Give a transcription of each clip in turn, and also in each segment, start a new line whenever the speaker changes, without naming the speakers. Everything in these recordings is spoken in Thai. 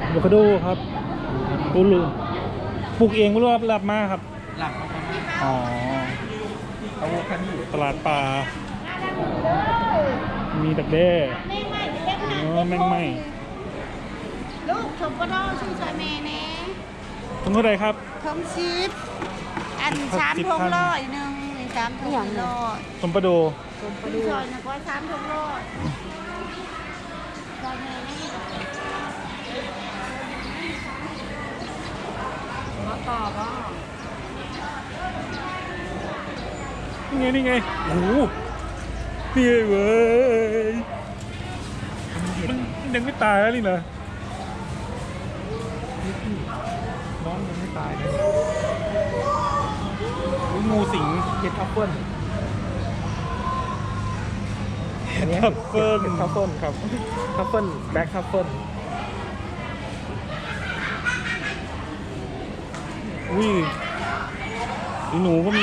อะโวคาโดครับปลูกเองไม่รู้รับมาครับ
หลักมาประมาณ
อ๋อ
อะโวคาโด
ตลาดป่ามีดักแด้แมงไหม
ลูกชมก็ได้ชื่อชอยเมย์เน่
ทั้งเท่าไหร่ครับ
ทงชิปอัน
ครับ
สาม
10
ทงร้อยหนึ่งสามทงร้อย
สมปะโด
ชื่อชอยนะก็สามทงร้อยชอยเมย์นี่มาต่อบ้าง
นี่ไงโอ้โหนี่เว้ยมันยังไม่ตายแล้วนี่เหรอน้องยังไม่ตายเลยงูสิง
เห็ดทัฟเฟิล
ทัฟเฟิล
เห็ดทัฟเฟิลครับทัฟเฟิลแบ็คทัฟเฟิล
อุ้ยหนูก็มี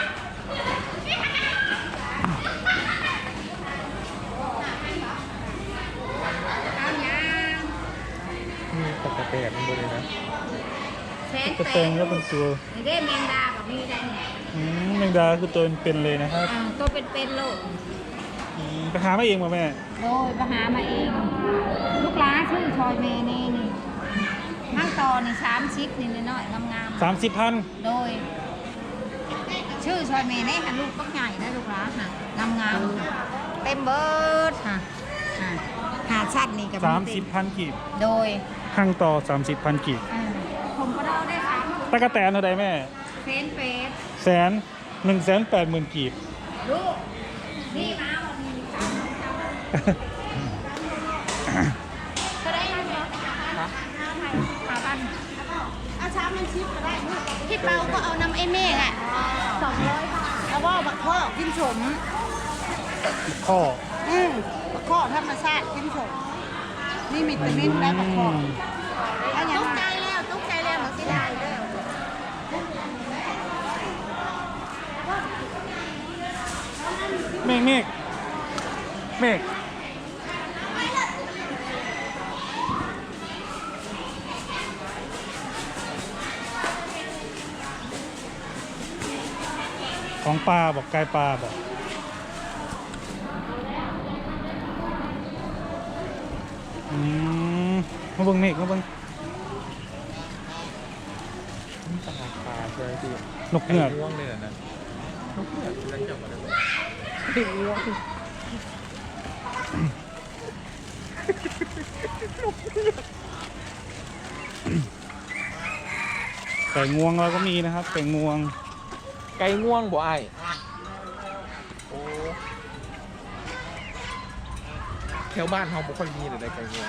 มีตะกะแตนหมดเลยนะ
กระแตงก็เป็นตัว
ไม่ได้แมงดากับมีได้เนี่ย
แมงดาคือตัวเป็นเลยนะครับ
ตัวเป็นโลก
ไปหามาเองป่ะแม่
โดยไปหามาเอง ลูกหลานชื่อชอยเมย์นี่ห้างตอนี่30นี่น้อยๆงาม
30,000
ๆโดย ชื่อชอยเมย์นี่ค่ะลูกต้องใหญ่นะลูกหลานค่ะงามๆเต็มเบิร์ดค่ะหาชัดนี่กับ
30,000 กีบ
โดย
ข้างต่อ 30,000 กีบ
ผมก็ได้ได้ค่ะ
ตะกะแตนเท่าไหร่แม่
เฟนเฟส
180,000 กีบ
ลูกนี่มาวันนี้ก็ได้ไหม5,000เอาช้ามันชิปก็ได้ที่เปาก็เอาน้ำไอ้เมฆอ่ะ200 บาทแล้วก็บักข้อกินสม
ข้อ
บักข้อธรรมชาติกินสมนี่มีวิตามินได้บักข้อตุ๊กใจแล้วมันสิได้แล้ว
เมฆของปลาบอกไก่ปลาบอกมาเบิ่งเมฆมาเบิ่ง
นี่ตลาดปลาใช่ไหมพี่
นกเงือก
ง่วงเลยนะนกเงือกเรื่องจับมาเลยง่วง
ไก่งวงเราก็มีนะครับไก่งวง
ไก่ง่วงบ่ไอ้โอ้แถวบ้านเขาบ่ค่อยมีเลยไก่ง่วง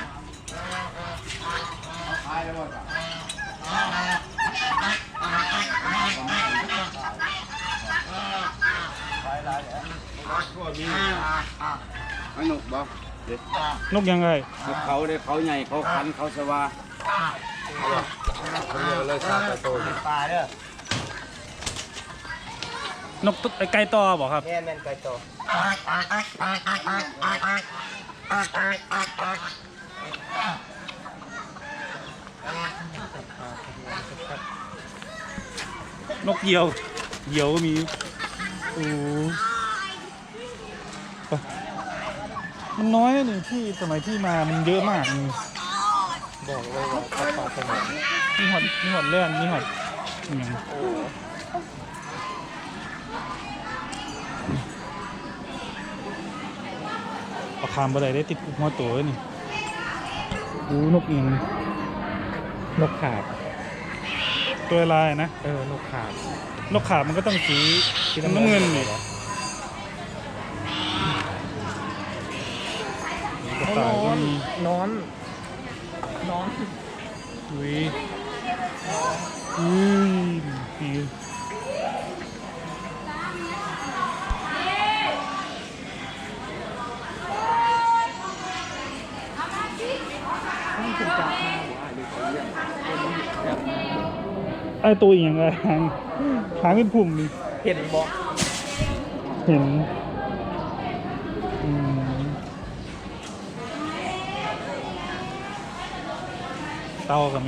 ไม่หนุกบ่เด็ก
นกยังไง
เขาเด็กเขาใหญ่เขาคันเขาสว่าเลยซาตะโตปลาเด้อน
กไก่ต่อบอกครับ
แม่นไก่โต
นกเหยี่ยวก็มีโอ้ไปมันน้อยนะนี่ที่สมัยที่มามันเยอะมากนี่
บอกเลยว่าปลาสมุน
มีหอดเลื่อนมีหอดอย่าง
โอ้
เอาคามบะไดได้ติดหัวตัวเลยนี่ดูนกเอียง
นกขาบ
ตัวลายนะ
นกขาบ
นกขาบมันก็ต้องสีน้ำเงินนี่กระต่ายก็มี
นอน
อุ้ยปี ไอ้ตัวอย่างไรหางเป็นพุ่มนี่
เห็นบ่
เห็นเตาก็มี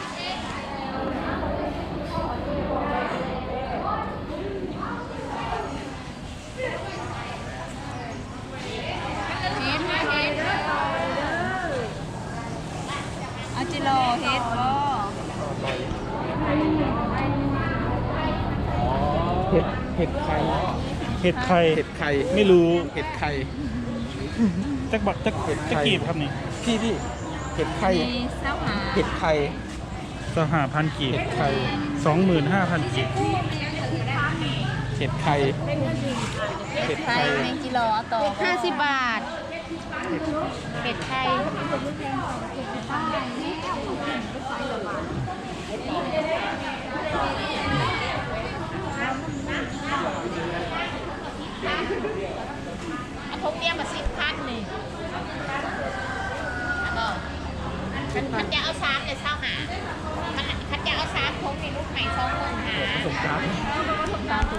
เอาจิโลเฮ็ดบ่
เห็ดไข่
เห็ดไข่
เห็ดไข่
ไม่รู้
เห็ดไข่
จักบักจัก
เห็ดไข่
จักกีบครับนี่
พี่เห็ดไข่
มีเส้าหา
เห็ดไข่
25,000กีบ
เห็ดไข่
25,000กีบ
เห็ดไข่ เห็ด
ไข่
ไข่
แมงกิโลเอาต่อ50 บาทเห็ดไข่เอาพกเนี้ยมา10,000นี่บอกคันจะเอา3เนี่ยเศร้าหาคันจะเอา3พกนี่ลูกไข่2,000หา
สงกรานต์
ตาม